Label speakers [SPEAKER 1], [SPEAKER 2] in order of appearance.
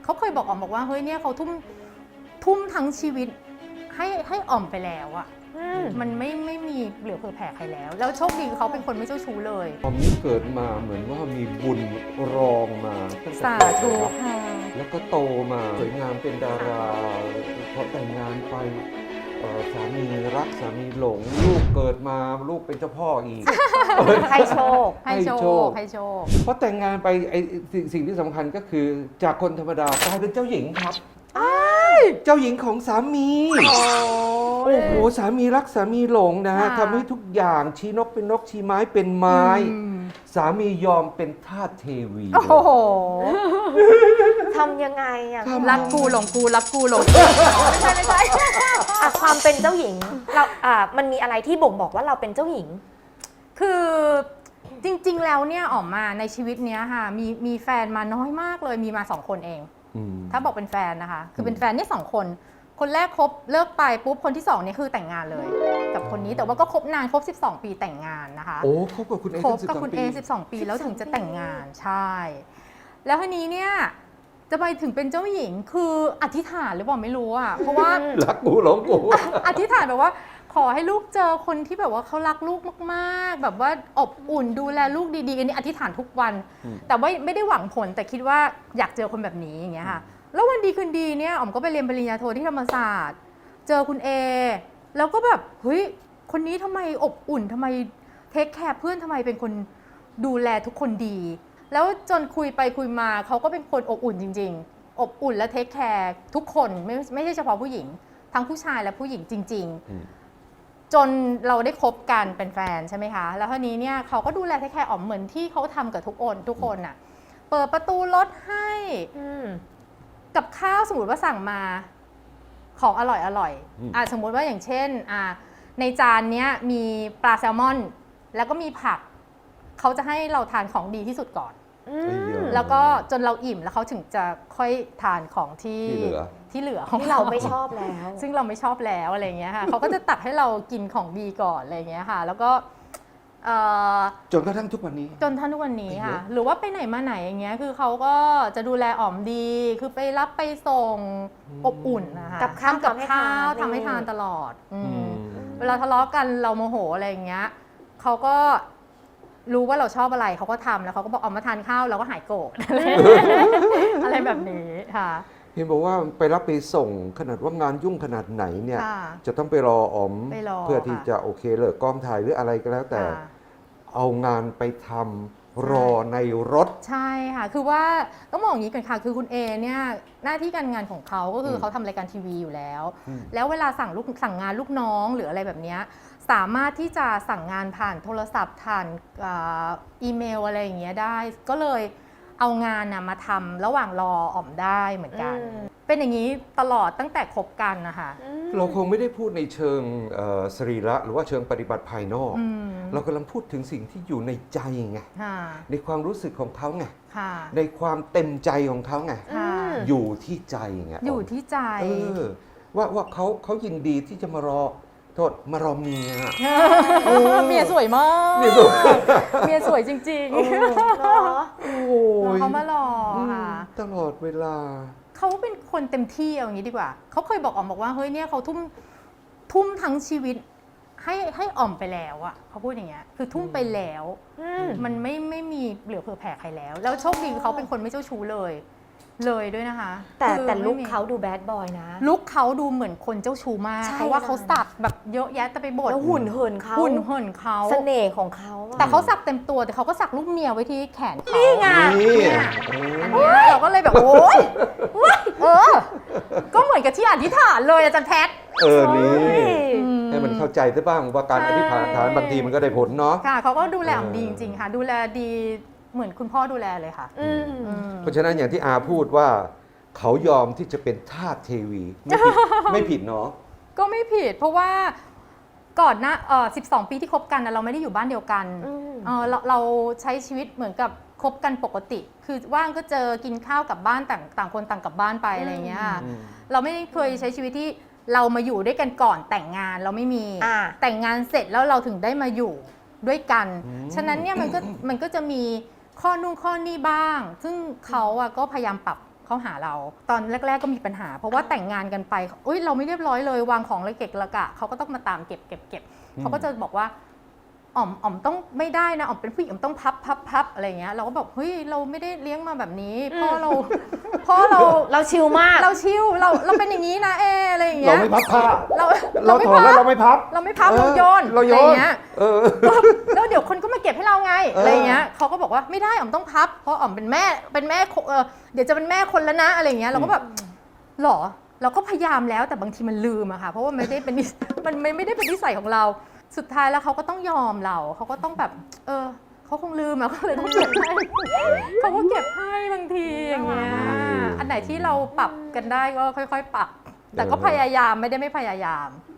[SPEAKER 1] เขาเคยบอกอ๋อมบอกว่าเฮ้ยเนี่ยเขาทุ่มทั้งชีวิตให้อ๋อมไปแล้วอะมันไม่มีเหลือเผื่อแผ่ใครแล้วโชคดีเขาเป็นคนไม่เจ้าชู้เลย
[SPEAKER 2] ออมนี่เกิดมาเหมือนว่ามีบุญรองมาตั้งแต่
[SPEAKER 1] สา
[SPEAKER 2] เกิด
[SPEAKER 1] ธุ
[SPEAKER 2] แล้ว
[SPEAKER 1] ค่ะ
[SPEAKER 2] แล้วก็โตมาสวยงามเป็นดาราพอแต่งงานไปสามีรักสามีหลงลูกเกิดมาลูกเป็นเจ้าพ่ออีก
[SPEAKER 3] ให้โชค
[SPEAKER 1] ให้โชค
[SPEAKER 2] เพราะแต่งงานไปสิ่งที่สำคัญก็คือจากคนธรรมดากลายเป็นเจ้าหญิงครับเจ้าหญิงของสามีโอ้โหสามีรักสามีหลงนะฮะ
[SPEAKER 1] ค่ะ
[SPEAKER 2] ทำให้ทุกอย่างชี้นกเป็นนกชี้ไม้เป็นไม้ สามียอมเป็นทาสเทวี
[SPEAKER 1] โอ้โห
[SPEAKER 3] ทำยังไงอ่ะ
[SPEAKER 1] รักกูหลงกูรักกูหลงกูไม่ใช่
[SPEAKER 3] อ่ะความเป็นเจ้าหญิงเรามันมีอะไรที่บ่งบอกว่าเราเป็นเจ้าหญิง
[SPEAKER 1] คือจริงๆแล้วเนี่ยอ๋อมมาในชีวิตเนี้ยค่ะมีแฟนมาน้อยมากเลยมีมา2 คนเอง ถ้าบอกเป็นแฟนนะคะคือเป็นแฟนนี่2 คนคนแรกคบเลิกไปปุ๊บคนที่2เนี่ยคือแต่งงานเลย กับคนนี้แต่ว่าก็คบนานคบ12 ปีแต่งงานนะคะ
[SPEAKER 2] โอ้คบกับคุณเอ
[SPEAKER 1] คบกับคุณเอ12 ปีแล้วถึงจะแต่งงานใช่ แล้วทีนี้เนี่ยจะไปถึงเป็นเจ้าหญิงคืออธิษฐานหรือเปล่าไม่รู้อ่ะเพราะว่า
[SPEAKER 2] รักกูหลงกู
[SPEAKER 1] อธิษฐานแบบว่าขอให้ลูกเจอคนที่แบบว่าเขารักลูกมากๆแบบว่าอบอุ่นดูแลลูกดีๆอันนี้อธิษฐานทุกวัน แต่ว่าไม่ได้หวังผลแต่คิดว่าอยากเจอคนแบบนี้อย่างเงี้ยค่ะแล้ววันดีคืนดีเนี่ยอ๋อมก็ไปเรียนปริญญาโทที่ธรรมศาสตร์เจอคุณเอแล้วก็แบบเฮ้ยคนนี้ทำไมอบอุ่นทำไมเทคแคร์เพื่อนทำไมเป็นคนดูแลทุกคนดี แล้วจนคุยไปคุยมาเขาก็เป็นคนอบอุ่นจริงๆอบอุ่นและเทคแคร์ทุกคนไม่ใช่เฉพาะผู้หญิงทั้งผู้ชายและผู้หญิงจริงๆจนเราได้คบกันเป็นแฟนใช่ไหมคะแล้วทีนี้เนี่ยเขาก็ดูแลเทคแคร์อ๋อมเหมือนที่เขาทำกับทุกคนน่ะเปิดประตูรถให้กับข้าวสมมติว่าสั่งมาของอร่อยสมมติว่าอย่างเช่นในจานเนี้ยมีปลาแซลมอนแล้วก็มีผักเขาจะให้เราทานของดีที่สุดก่อนแล้วก็จนเราอิ่มแล้วเขาถึงจะค่อยทานของที่เหลือของ
[SPEAKER 3] ที่เราไม่ชอบแล้ว
[SPEAKER 1] ซึ่งเราไม่ชอบแล้วอะไรเงี้ยค่ะเขาก็จะตักให้เรากินของดีก่อนอะไรเงี้ยค่ะแล้วก็
[SPEAKER 2] จนกระทั่งทุกวันนี้
[SPEAKER 1] จนท่านทุกวันนี้ค่ะหรือว่าไปไหนมาไหนอย่างเงี้ยคือเขาก็จะดูแลอ๋อมดีคือไปรับไปส่งอบอุ่นนะคะ
[SPEAKER 3] กับข้าว
[SPEAKER 1] ทำให้ทานตลอดเวลาทะเลาะกันเราโมโหอะไรอย่างเงี้ยเขาก็รู้ว่าเราชอบอะไรเขาก็ทำแล้วเขาก็บอกเอามาทานข้าวเราก็หายโกรธ อะไรแบบนี้ค่ะ
[SPEAKER 2] เห็นบอกว่าไปรับไปส่งขนาดว่างานยุ่งขนาดไหนเนี่ยจะต้องไปรออ๋อมเพื่อที่จะโอเคเลิกกองถ่ายหรืออะไรก็แล้วแต่เอางานไปทำรอในรถ
[SPEAKER 1] ใช่ค่ะคือว่าต้องบอกอย่างนี้ก่อนค่ะคือคุณเอเนี่ยหน้าที่การงานของเขาก็คือเขาทำรายการทีวีอยู่แล้วแล้วเวลาสั่งงานลูกน้องหรืออะไรแบบนี้สามารถที่จะสั่งงานผ่านโทรศัพท์ผ่านอีเมลอะไรอย่างเงี้ยได้ก็เลยเอางานมาทำระหว่างรออ๋อมได้เหมือนกันเป็นอย่างนี้ตลอดตั้งแต่คบกันนะคะ
[SPEAKER 2] เราคงไม่ได้พูดในเชิงสรีระหรือว่าเชิงปฏิบัติภายนอกเรากำลังพูดถึงสิ่งที่อยู่ในใจไงในความรู้สึกของเขาไงในความเต็มใจของเขาไงอยู่ที่ใจไง
[SPEAKER 1] อยู่ที่ใจ
[SPEAKER 2] ว่าเขายินดีที่จะมารอมารอเมีย
[SPEAKER 1] เมียสวยมากเมียสวยจริงๆเขามารอค่ะ
[SPEAKER 2] ตลอดเวลา
[SPEAKER 1] เขาเป็นคนเต็มที่อย่างนี้ดีกว่าเขาเคยบอกอ๋อมบอกว่าเฮ้ยเนี่ยเขาทุ่มทั้งชีวิตให้อ๋อมไปแล้วอะเขาพูดอย่างเงี้ยคือทุ่มไปแล้วมันไม่มีเหลือเผื่อแผ่ใครแล้วโชคดีเขาเป็นคนไม่เจ้าชู้เลยด้วยนะคะ
[SPEAKER 3] แต่ลุคเขาดูแบดบอยนะ
[SPEAKER 1] ลุคเขาดูเหมือนคนเจ้าชู้มากเพราะว่าเขาสักแบบเยอะแยะแต่ไปบด
[SPEAKER 3] แล้วหุ่นเหินเขาเสน่ห์ของเขา
[SPEAKER 1] แต่เขาสักเต็มตัวแต่เขาก็สักลูกเมียไว้ที่แขนเขานี่ไงอันนี้เราก็เลยแบบโอ๊ยก็เหมือนกับที่อธิษฐานเลยอาจารย์แพท
[SPEAKER 2] นี่ให้มันเข้าใจซะบ้างว่าการอธิษฐานบางทีมันก็ได้ผลเนาะ
[SPEAKER 1] ค่ะเขาก็ดูแลอ๋อมดีจริงๆค่ะดูแลดีเหมือนคุณพ่อดูแลเลยค่ะ
[SPEAKER 2] เพราะฉะนั้นอย่างที่อาพูดว่าเขายอมที่จะเป็นทาสเทวีไม่ผิดเนาะ
[SPEAKER 1] ก็ไม่ผิดเพราะว่าก่อนหน้า12 ปีที่คบกันเราไม่ได้อยู่บ้านเดียวกันเราใช้ชีวิตเหมือนกับคบกันปกติคือว่างก็เจอกินข้าวกลับบ้านต่างคนต่างกลับบ้านไปอะไรเงี้ยเราไม่เคยใช้ชีวิตที่เรามาอยู่ด้วยกันก่อนแต่งงานเราไม่มีแต่งงานเสร็จแล้วเราถึงได้มาอยู่ด้วยกันฉะนั้นเนี่ยมันก็จะมีข้อนู่นข้อนี่บ้างซึ่งเขาก็พยายามปรับเข้าหาเรา ตอนแรก ๆก็มีปัญหา เพราะว่าแต่งงานกันไปอุ้ยเราไม่เรียบร้อยเลยวางของระเกะระกะเขาก็ต้องมาตามเก็บเขาก็จะบอกว่าอ๋อมต้องไม่ได้นะอ๋อมเป็นผู้หญิงอ๋อมต้องพับอะไรเงี้ยเราก็บอกเฮ้ยเราไม่ได้เลี้ยงมาแบบนี้พ่อเรา
[SPEAKER 3] ชิลมาก
[SPEAKER 1] เราชิลเราเป็นอย่างนี้นะอะไรอย่างเงี้
[SPEAKER 2] เรา
[SPEAKER 1] ย
[SPEAKER 2] ไม่พับผ้า
[SPEAKER 1] เรา
[SPEAKER 2] ถอดแล้วเราไม่พับ
[SPEAKER 1] เราไม่พับเราโยน
[SPEAKER 2] เราโย
[SPEAKER 1] อะไร
[SPEAKER 2] น
[SPEAKER 1] เงี้ยแล้วเดี๋ยวคนก็มาเก็บให้เราไงอะไรเงี้ยเขาก็บอกว่าไม่ได้อ๋อมต้องพับเพราะอ๋อมเป็นแม่เดี๋ยวจะเป็นแม่คนแล้วนะอะไรเงี้ยเราก็แบบหรอเราก็พยายามแล้วแต่บางทีมันลืมอะค่ะเพราะว่ามันไม่ได้เป็นนิสัยของเราสุดท้ายแล้วเขาก็ต้องยอมเราเขาก็ต้องแบบเขาคงลืมอะเขาเลยต้องเก็บให้เขาก็เก็บให้บางทีอย่างเงี้ยอันไหนที่เราปรับกันได้ก็ค่อยๆปรับแต่ก็พยายามไม่ได้ไม่พยายาม